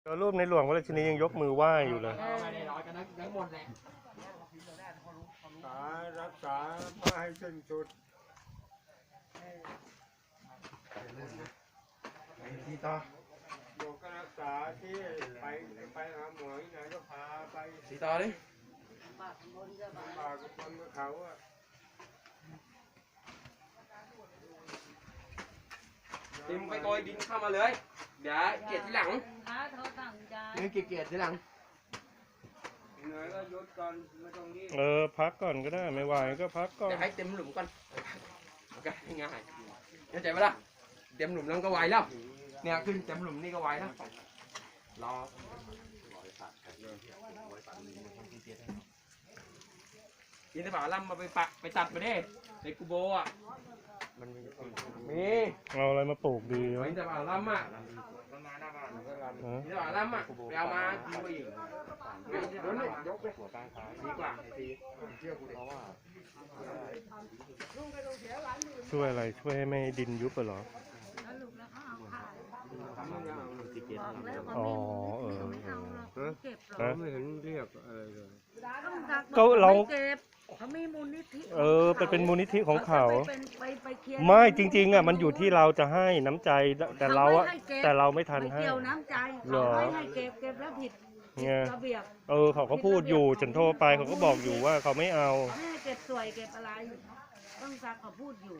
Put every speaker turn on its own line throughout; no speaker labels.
ตัวรูปในหลวงวราชินียังยกมือไหว้อยู่เลย
รักษาไม่ให้สิ้นสุด
ที่ต่อ
อยู่ก็รักษาที่ไปหาหมอที่ไหนก็พาไป
ที่ต่อดิ
ป่ากับคนกับเขาอ่ะ
ดิมไปโกยดินเข้ามาเลยเดี๋ยวเกียรที่หลังนี่เกียรที่หลัง
เหนื่อยก็หยุดก่อนไม่ต้องรีบ
พักก่อนก็ได้ไม่ไหวก็พักก่อน
เดี๋ยวให้เต็มหลุมก่อนโอเคง่ายเข้าใจไหมล่ะเต็มหลุมแล้วก็ไวแล้วเนี่ยขึ้นเต็มหลุมนี่ก็ไวแล้วรอยินดีบ่าล่ำมาไปตัดไปดิในกูโบอ่ะมี
เอาอะไรมาปลูกดีวะ
ยินดีบ่าล่ำอ่ะยินดีบ่าล่ำอ่ะไปเอามาดีกว่าอีกเดี๋ยวนี่ยกไปหัวกลางขาดีกว่าดีเชื่อกูดิเพราะว่า
ช่วยอะไรช่วยให้ไม่ดินยุบเหรออ๋อ
ไม่เห็นเรียกอะไรเลย
ก็เรา
เขามีมูลนิธิ
เป็นมูลนิธิของเขาไม่จริงๆอ่ะมันอยู่ที่เราจะให้น้ำใจแต่เราอ่ะแต่เราไม่ทันให้
เกี่ยวน้ำใจเขาไม่ให้เก็บแล้วผิดระเบียบ
เขาก็พูดอยู่ฉันโทรไปเขาก็บอกอยู่ว่าเขาไม่เอา
ไม่ให้เก็บสวยเก็บอะไรต้องซักเขาพูดอยู่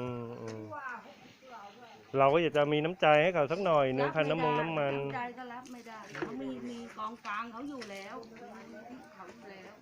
เราก็อยากจะมีน้ำใจให้เขาสักหน่อยนึงคันน้ำมัน
น้ำใจก็รับไม่ได้เขามีกองกลางเขาอยู่แล้วเขาอยู่แล้ว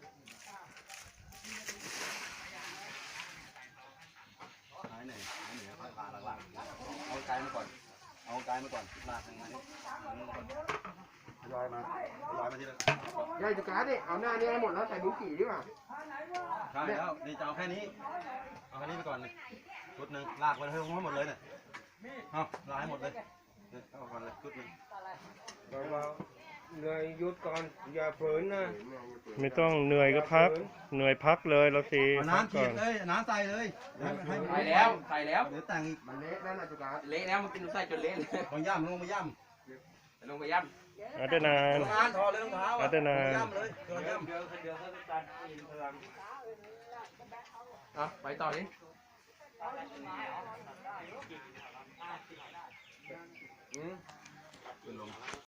เอาไกลมาก่อนลากมานี่ลอยมาทีละ
ยายจุกาดิเอาหน้านี้ให้หมดแล้วใส่บุ้งกี่ดีกว่า
ใช่แล้วนี่จะเอาแค่นี้ไปก่อนเลยชุดหนึ่งลากไปให้หมดเลยเนี่ยเอาลากให้หมดเลยเอาก่อนเลยชุดหนึ่ง
เราเหนื่อยหยุดก่อนอย่าฝืนนะ
ไม่ต้องเหนื่อยก็พักเหนื่อยพักเลยเราสิ
น้ำฉีดเลยน้ำใส่เลย
ใส่แล้ว
เดี๋ยวแต่งอีก
มันเละแล้วนะจุกาเละแล้วมันกินใส่จนเละเลย
ลงไปย่
อาจารย์นาน
ถอดเลยรองเท้า
อาจารย์นาน
ย่ำเลยเดี๋ยว
ไปต่อดิ